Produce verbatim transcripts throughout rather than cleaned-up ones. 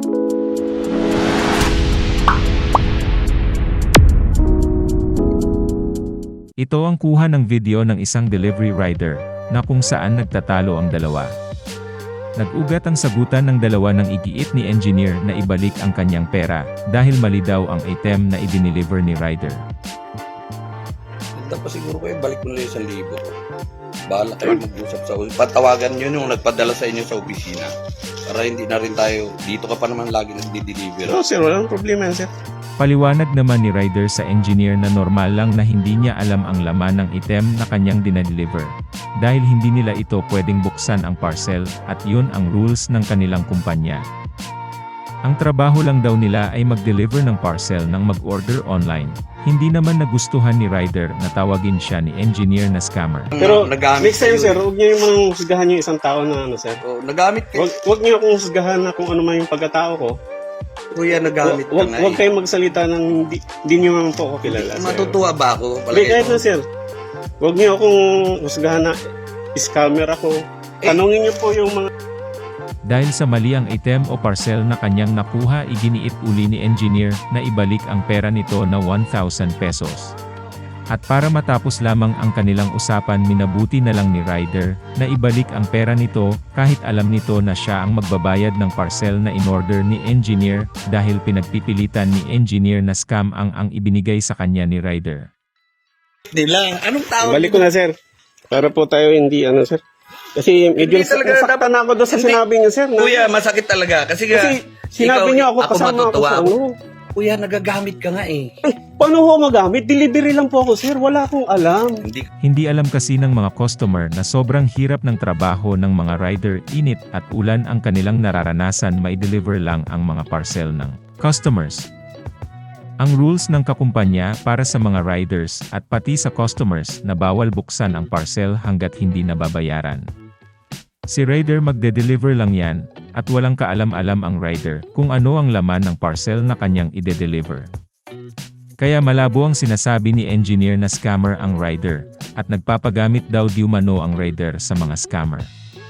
Ito ang kuha ng video ng isang delivery rider, na kung saan nagtatalo ang dalawa. Nag-ugat ang sagutan ng dalawa ng igiit ni engineer na ibalik ang kanyang pera, dahil mali daw ang item na i-deliver ni rider. Tapos siguro kayo, balik mo na yung isang libo. Bahala kayo mag-usap sa opisina. Patawagan nyo yung nagpadala sa inyo sa opisina. Para hindi na rin tayo, dito ka pa naman lagi nagdi-deliver. No sir, walang problema yan sir. Paliwanag naman ni rider sa engineer na normal lang na hindi niya alam ang laman ng item na kanyang dinadeliver. Dahil hindi nila ito pwedeng buksan ang parcel, at yun ang rules ng kanilang kumpanya. Ang trabaho lang daw nila ay mag-deliver ng parcel nang mag-order online. Hindi naman nagustuhan ni rider na tawagin siya ni engineer na scammer. Pero nagamit next time kayo. sir, huwag niyo yung mga husgahan yung isang tao na ano sir. Oh, nagamit kayo. Huwag, huwag niyo akong husgahan na kung ano man yung pagkatao ko. Kuya, nagamit ka Huwag, nga huwag eh. kayong magsalita ng di, di niyo naman po ako kilala sir. Matutuwa ba ako? Hindi, kahit ito. na sir. Huwag niyo akong husgahan na scammer ako. Tanungin niyo po yung mga Dahil sa mali ang item o parcel na kanyang nakuha, iginiit uli ni engineer na ibalik ang pera nito na one thousand pesos. At para matapos lamang ang kanilang usapan, minabuti na lang ni rider na ibalik ang pera nito kahit alam nito na siya ang magbabayad ng parcel na in-order ni engineer, dahil pinagpipilitan ni engineer na scam ang ang ibinigay sa kanya ni rider. Nila, anong tawag? balik ko na sir. Para po tayo hindi ano sir. Kasi medyo Hindi talaga nasaktan na ako doon sa Hindi. sinabi niyo sir. Na, Kuya, masakit talaga. Kasi, nga, kasi sinabi ikaw, niyo ako ako kasama ako matutuwa sa ako. ano. Kuya, nagagamit ka nga eh. Eh, paano ho magamit? Delivery lang po ako sir. Wala akong alam. Hindi Hindi alam kasi ng mga customer na sobrang hirap ng trabaho ng mga rider, init at ulan ang kanilang nararanasan, mai-deliver lang ang mga parcel ng customers. Ang rules ng kakumpanya para sa mga riders at pati sa customers na bawal buksan ang parcel hanggat hindi nababayaran. Si rider magde-deliver lang yan, at walang kaalam-alam ang rider kung ano ang laman ng parcel na kanyang ide-deliver. Kaya malabo ang sinasabi ni engineer na scammer ang rider, at nagpapagamit daw di umano ang rider sa mga scammer.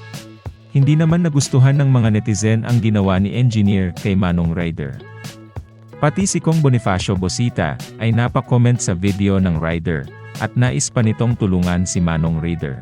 Hindi naman nagustuhan ng mga netizen ang ginawa ni engineer kay Manong rider. Pati si Kong Bonifacio Bosita ay napakomment sa video ng rider, at nais pa nitong tulungan si Manong rider.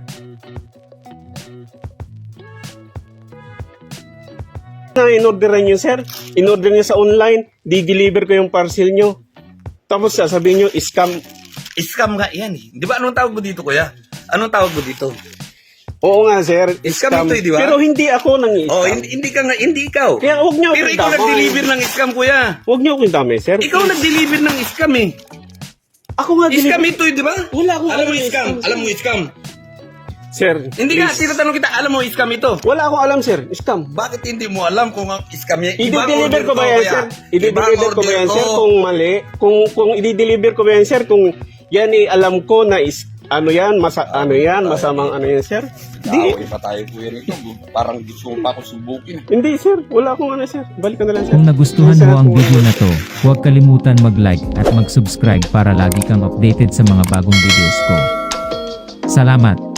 Na in-orderan niyo sir. In-order niyo sa online. Di-deliver ko yung parcel niyo. Tapos sasabihin niyo, scam. scam nga yan eh. Di ba anong tawag mo dito, kuya? Anong tawag mo dito? Oo nga sir. Scam ito eh, di ba? Pero hindi ako nang scam. Oh, hindi, hindi ka nga, hindi ikaw. Kaya huwag niyo Pero akong ikaw damay. nag-deliver ng scam, kuya. Huwag niyo akong damay sir. Ikaw nag-deliver ng scam eh. Ako nga Scam deliver. ito eh, di ba? Wala akong Alam mo alam, scam? scam. Alam mo scam? Sir. Hindi nga, please. tinatanong kita, alam mo scam ito? Wala akong alam sir. Scam. Bakit hindi mo alam kung ang scam yan? Ibang I-deliver order ko ba to, yan kuya. sir? Ibang I-deliver ko ba order yan sir to. kung mali? Kung kung i-deliver ko ba yan sir kung yan eh alam ko na is ano yan, masa, ano yan, masamang ano yan sir? Di, Kaaway pa tayo kuya nito. Parang gusto mo pa ako subukin. hindi sir, wala akong ano sir. Balik ka na lang sir. Kung nagustuhan Sir, mo ang kung- video na to, huwag kalimutan mag-like at mag-subscribe para lagi kang updated sa mga bagong videos ko. Salamat!